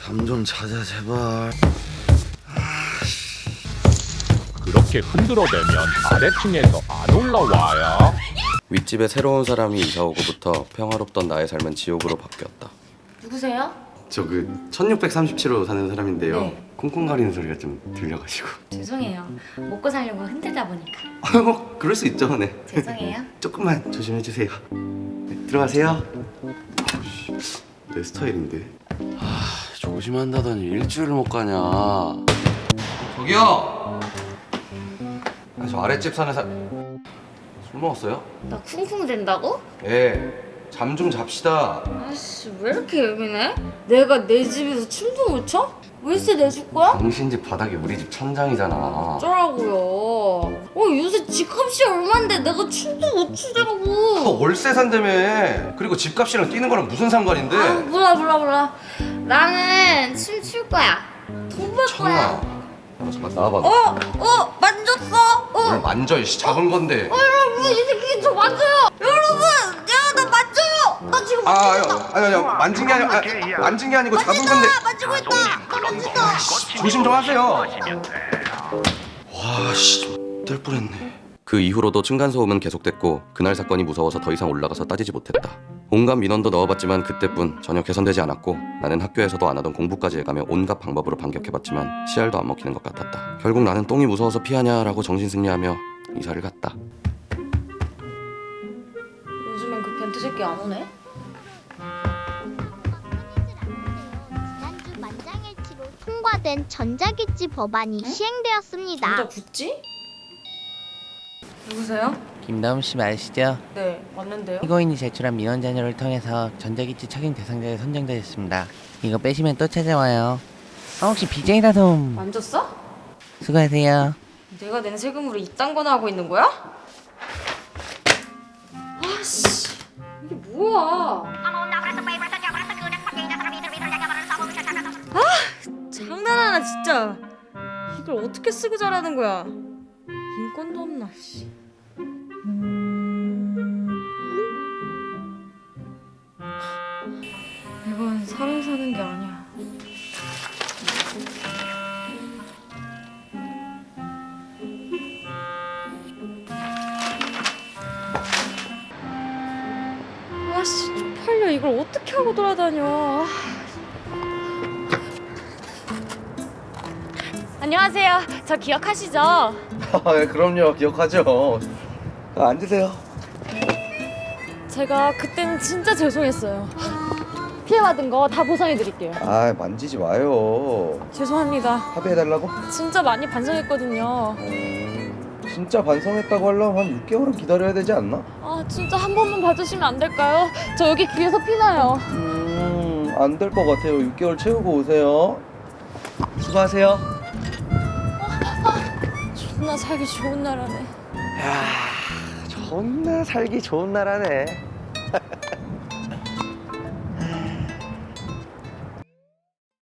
잠 좀 자자 제발. 그렇게 흔들어대면 아래층에서 안 올라와요. 윗집에 새로운 사람이 이사 오고부터 평화롭던 나의 삶은 지옥으로 바뀌었다. 누구세요? 저 그 1637호 사는 사람인데요. 네. 콩콩거리는 소리가 좀 들려가지고. 죄송해요. 먹고 살려고 흔들다 보니까. 뭐 그럴 수 있죠, 네. 죄송해요. 조금만 조심해 주세요. 네, 들어가세요. 내 스타일인데. 조심한다더니 일주일 못 가냐. 저기요. 저 아랫집 사는 술 먹었어요? 나 쿵쿵 된다고? 예. 잠 좀 잡시다. 아씨 왜 이렇게 예민해? 내가 내 집에서 춤도 못 춰? 월세 내줄 거야? 당신 집 바닥이 우리 집 천장이잖아. 어쩌라고요? 요새 집값이 얼만데 내가 춤도 못 추더라고. 월세 산다며. 그리고 집값이랑 뛰는 거랑 무슨 상관인데? 몰라. 나는 춤 출 거야. 돈 벌 거야. 너 잠깐 나와봐. 만졌어. 뭘 만져, 이씨. 작은 건데. 여러분 이 새끼 저 만져요. 여러분, 나 만져요. 나 지금 아니요. 만진 게 만진 게 아니고 잡은 건데. 만지고 있다. 만진다. 조심 좀 하세요. 와, 씨. 뗄 뻔했네. 그 이후로도 층간소음은 계속됐고 그날 사건이 무서워서 더 이상 올라가서 따지지 못했다. 온갖 민원도 넣어봤지만 그때뿐 전혀 개선되지 않았고 나는 학교에서도 안 하던 공부까지 해가며 온갖 방법으로 반격해봤지만 씨알도 안 먹히는 것 같았다. 결국 나는 똥이 무서워서 피하냐라고 정신승리하며 이사를 갔다. 요즘엔 그 변태 새끼 안 오네? 지난주 만장일치로 통과된 전자기지 법안이 시행되었습니다. 진짜 굳지? 누구세요? 김다움 씨 맞으시죠? 네, 왔는데요. 피고인이 제출한 민원 자료를 통해서 전자기지 착용 대상자에 선정되셨습니다. 이거 빼시면 또 찾아와요. 혹시 BJ나 좀 만졌어? 수고하세요. 내가 낸 세금으로 이딴 거나 하고 있는 거야? 아씨, 이게 뭐야? 장난하나 진짜. 이걸 어떻게 쓰고 자라는 거야? 인권도 없나 씨. 이건 사람 사는 게 아니야. 아씨 쪽팔려. 이걸 어떻게 하고 돌아다녀. 안녕하세요. 저 기억하시죠? 그럼요, 기억하죠. 앉으세요. 제가 그때는 진짜 죄송했어요. 피해받은 거 다 보상해드릴게요. 만지지 마요. 죄송합니다. 합의해달라고? 진짜 많이 반성했거든요. 진짜 반성했다고 하려면 한 6개월은 기다려야 되지 않나? 진짜 한 번만 봐주시면 안 될까요? 저 여기 귀에서 피나요. 안 될 것 같아요. 6개월 채우고 오세요. 수고하세요. 존나 살기 좋은 나라네. 존나 살기 좋은 나라네.